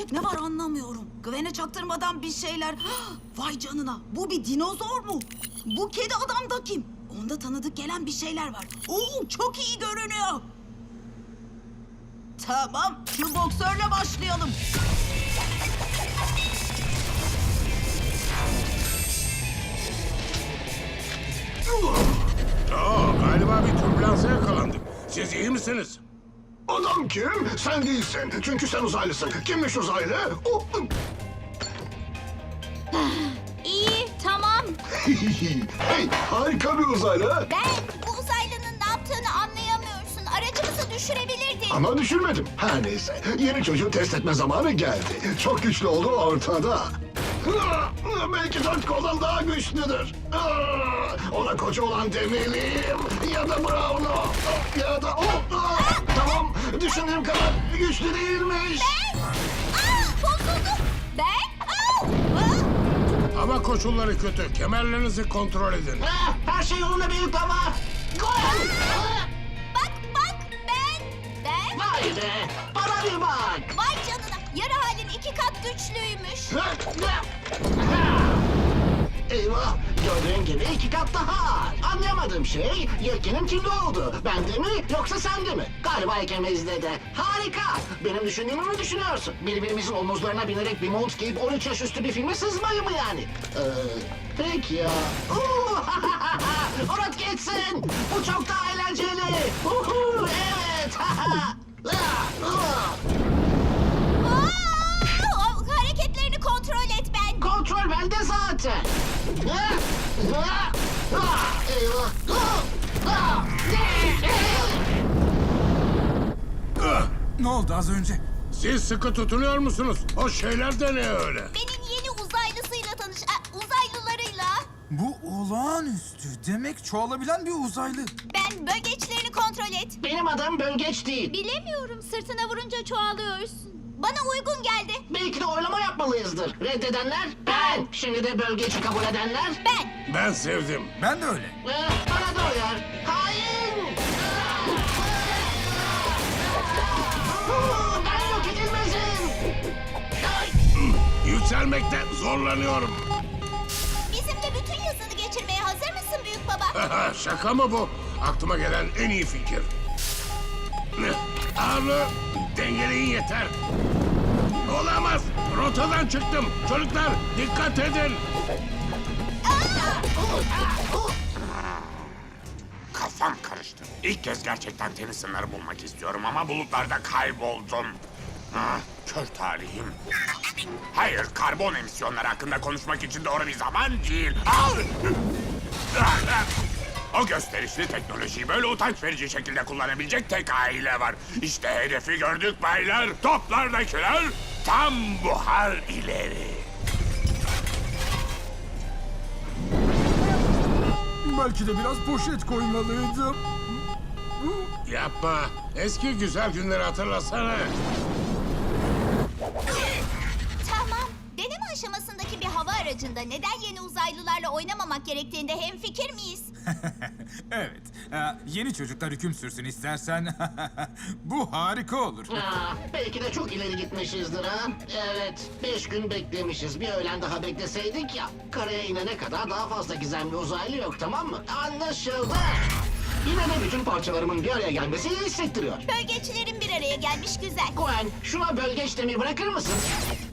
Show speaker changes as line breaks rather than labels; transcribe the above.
tek ne var anlamıyorum. Gwen'e çaktırmadan bir şeyler. Vay canına, bu bir dinozor mu? Bu kedi adam da kim? Onda tanıdık gelen bir şeyler var. Oo, çok iyi görünüyor. Tamam, şu boksörle başlayalım.
Galiba bir türbülansa yakalandık. Siz iyi misiniz?
Adam kim? Sen değilsin. Çünkü sen uzaylısın. Kimmiş uzaylı? Oh.
İyi, tamam.
Hey, harika bir uzaylı.
Ben bu uzaylının ne yaptığını anlayamıyorsun. Aracımızı düşürebilirdin.
Ama düşürmedim. Her neyse. Yeni çocuğu test etme zamanı geldi. Çok güçlü olduğu ortada. Belki 4 koldan daha güçlüdür. Ona koca olan demeliyim. Ya da Brown'u. Ya da o. Tamam. Düşündüğüm kadar güçlü değilmiş.
Bozuldu.
Hava koşulları kötü. Kemerlerinizi kontrol edin.
Her şey yolunda büyük baba. Gol!
Bak, ben.
Vay be! Bana bir bak!
Vay canına, yarı halin 2 kat güçlüymüş.
Eyvah! Gördüğün gibi 2 kat daha. Anlayamadığım şey, yelkenin kimde oldu? Bende mi yoksa sende mi? Galiba ikimizde de. Harika! Benim düşündüğümü mü düşünüyorsun? Birbirimizin omuzlarına binerek bir mont giyip 13 yaş üstü bir filme sızmayı mı yani? Peki ya. Unut gitsin! Bu çok daha eğlenceli! Evet!
Hareketlerini kontrol et ben.
Kontrol bende zaten.
Ne oldu az önce?
Siz sıkı tutunuyor musunuz? O şeyler de ne öyle?
Benim yeni uzaylısıyla uzaylılarıyla.
Bu olağanüstü. Demek çoğalabilen bir uzaylı.
Ben bölgeçlerini kontrol et.
Benim adım Bölgeç değil.
Bilemiyorum, sırtına vurunca çoğalıyorsun. Bana uygun geldi.
Belki de oylama yapmalıyızdır. Reddedenler ben. Şimdi de Bölgeç'i kabul edenler
Ben.
Ben sevdim.
Ben de öyle.
bana da uyar. Hain! Ben yok edilmezim.
Yükselmekte zorlanıyorum.
Bizimle bütün yazını geçirmeye hazır mısın büyük baba?
Şaka mı bu? Aklıma gelen en iyi fikir. Ağırlığı dengeleyin yeter. Olamaz. Rotadan çıktım. Çocuklar dikkat edin.
Kafam karıştı. İlk kez gerçekten temiz sınırı bulmak istiyorum ama bulutlarda kayboldum. Ah, kör talihim. Hayır, karbon emisyonları hakkında konuşmak için doğru bir zaman değil. O gösterişli teknolojiyi böyle utanç verici şekilde kullanabilecek tek aile var. İşte hedefi gördük baylar. Toplardakiler tam buhar ileri.
Belki de biraz poşet koymalıydım.
Yapma. Eski güzel günleri hatırlasana.
Tamam. Deneme aşamasındaki bir hava aracında neden yeni uzaylılarla oynamamak gerektiğinde hemfikir miyiz?
Evet. Yeni çocuklar hüküm sürsün istersen. Bu harika olur.
Belki de çok ileri gitmişizdir ha. Evet, 5 gün beklemişiz. Bir öğlen daha bekleseydik ya. Karaya inene kadar daha fazla gizemli uzaylı yok, tamam mı? Anlaşıldı. Yine de bütün parçalarımın bir araya gelmesi iyi hissettiriyor.
Bölgeçlerin bir araya gelmiş güzel.
Gwen, şuna Bölgeç demeyi bırakır mısın?